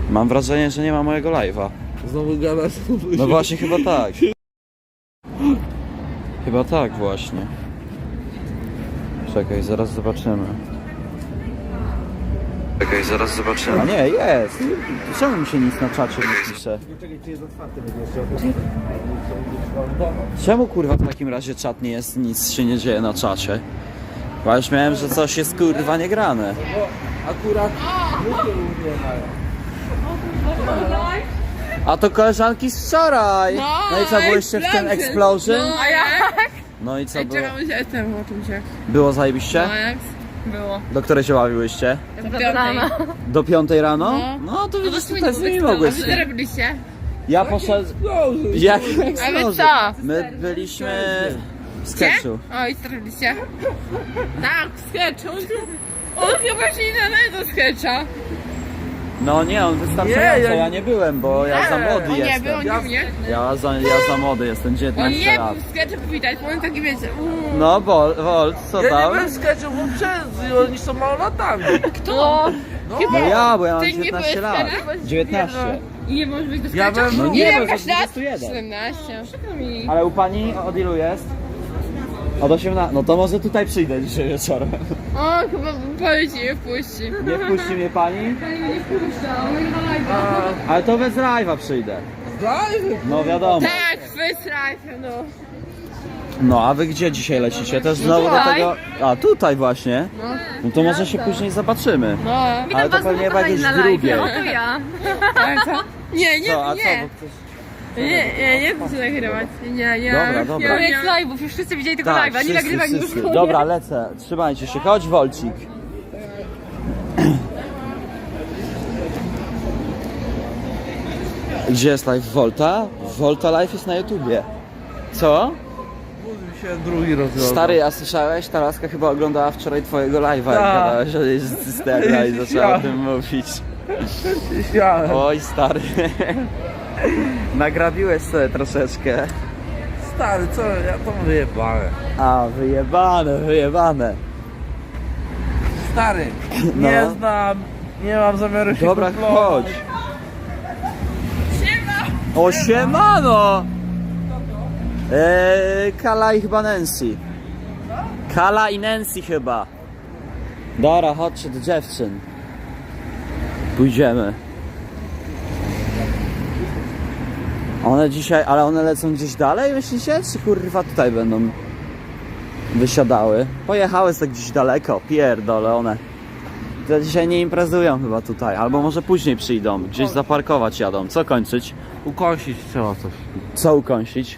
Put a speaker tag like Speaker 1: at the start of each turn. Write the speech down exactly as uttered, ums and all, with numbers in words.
Speaker 1: Mam wrażenie, że nie ma mojego live'a.
Speaker 2: Znowu gadasz?
Speaker 1: No właśnie, chyba tak. Chyba tak właśnie. Czekaj, zaraz zobaczymy. Czekaj, zaraz zobaczymy. A nie, jest. Czemu mi się nic na czacie nie pisze?
Speaker 2: Czekaj, czy jest otwarty będzie.
Speaker 1: Czemu kurwa w takim razie czat nie jest, nic się nie dzieje na czacie? Bo już miałem, że coś jest kurwa niegrane.
Speaker 2: Bo akurat ludzie nie mają.
Speaker 1: A to koleżanki z wczoraj!
Speaker 3: No,
Speaker 1: No i co, byłyście w tym Explosion?
Speaker 3: No, a jak?
Speaker 1: No i co było?
Speaker 3: Czekamy się, jestem o czym się.
Speaker 1: Było zajebiście?
Speaker 3: No jak? Było.
Speaker 1: Do której się bawiłyście?
Speaker 3: Do piątej.
Speaker 1: Do piątej rano?
Speaker 3: No.
Speaker 1: No to widzisz,
Speaker 3: No
Speaker 1: tutaj z nimi mogłeś.
Speaker 3: A wy co robiliście?
Speaker 1: Ja poszedłem... Jak
Speaker 3: A wy co?
Speaker 1: My byliśmy w sketchu.
Speaker 3: O, i co robiliście? Tak, w sketchu. On chyba się nie nadaje do sketcha.
Speaker 1: No nie, on wystarczająco,
Speaker 2: Nie, ja-
Speaker 1: ja nie byłem, bo ja za młody
Speaker 3: On nie
Speaker 1: jestem.
Speaker 3: był, on nie mnie.
Speaker 1: Ja za, ja za młody jestem,
Speaker 3: On
Speaker 1: dziewiętnaście
Speaker 3: nie
Speaker 1: lat.
Speaker 3: był w sketchu widać, bo on taki wiecie. uuu.
Speaker 1: No, Wol, Wol, co
Speaker 2: Ja
Speaker 1: tam?
Speaker 2: nie byłem sketchów, bo przez oni są małolatami.
Speaker 3: Kto?
Speaker 1: No ja, bo ja mam
Speaker 3: Ty nie
Speaker 1: dziewiętnaście
Speaker 3: byłeś
Speaker 1: lat.
Speaker 3: sketchu?
Speaker 1: dziewiętnaście.
Speaker 3: I nie możesz być do
Speaker 2: Ja
Speaker 3: sketcha?
Speaker 2: byłem-
Speaker 1: nie, bo
Speaker 3: jakaś
Speaker 1: jest
Speaker 3: lat?
Speaker 1: dwadzieścia jeden.
Speaker 3: siedemnaście. Przykro mi.
Speaker 1: Ale u pani od ilu jest? Od osiemnastu. No to może tutaj przyjdę dzisiaj wieczorem.
Speaker 3: O, chyba powie ci nie wpuści.
Speaker 1: Nie wpuści mnie pani?
Speaker 3: Pani mnie nie wpuszcza, on nie ma live'a.
Speaker 1: Ale to bez live'a przyjdę.
Speaker 2: Daj!
Speaker 1: No wiadomo.
Speaker 3: Tak, wystrajfę, no.
Speaker 1: No a wy gdzie dzisiaj lecicie? Też znowu do
Speaker 3: Tutaj.
Speaker 1: tego... A tutaj właśnie.
Speaker 3: No.
Speaker 1: No to może się później zobaczymy.
Speaker 3: No.
Speaker 1: Ale to pewnie chyba jakieś drugie.
Speaker 4: To ja.
Speaker 3: Ale co? Nie, nie,
Speaker 1: Co, a co?
Speaker 3: nie.
Speaker 1: Bo ktoś...
Speaker 3: Nie, nie, nie chcę się nagrywać. Nie, nie.
Speaker 1: Dobra, dobra.
Speaker 3: Ja,
Speaker 4: Koniec live'ów, już wszyscy widzieli tego
Speaker 1: Tak,
Speaker 4: live'a, nie
Speaker 1: wszyscy,
Speaker 4: nagrywaj
Speaker 1: wszyscy.
Speaker 4: już.
Speaker 1: Dobra, lecę. Trzymajcie się. Chodź, Wolcik. Gdzie jest live Volta? Volta live jest na YouTubie. Co?
Speaker 2: Budził się drugi rozwiązał.
Speaker 1: Stary, a słyszałeś? Ta laska chyba oglądała wczoraj twojego live'a, jak
Speaker 2: Tak.
Speaker 1: gadałeś o jej cysterna i zaczęła o tym mówić.
Speaker 2: Śmiałem.
Speaker 1: Oj, stary. Nagrabiłeś sobie troszeczkę.
Speaker 2: Stary, co? Ja to wyjebałem.
Speaker 1: A, wyjebane, wyjebane.
Speaker 2: Stary, nie
Speaker 1: No.
Speaker 2: znam, nie mam zamiaru się
Speaker 1: Dobra,
Speaker 2: kuplować.
Speaker 1: chodź. O, siemano! Eee, Kala i chyba Nancy. Kala i Nancy chyba. Dobra, chodźcie do dziewczyn. Pójdziemy. One dzisiaj, ale one lecą gdzieś dalej, myślicie? Czy kurwa tutaj będą wysiadały? Pojechały tak gdzieś daleko, pierdolę one. To dzisiaj nie imprezują chyba tutaj, albo może później przyjdą, gdzieś zaparkować jadą. Co kończyć?
Speaker 2: Ukąsić trzeba coś.
Speaker 1: Co ukąsić?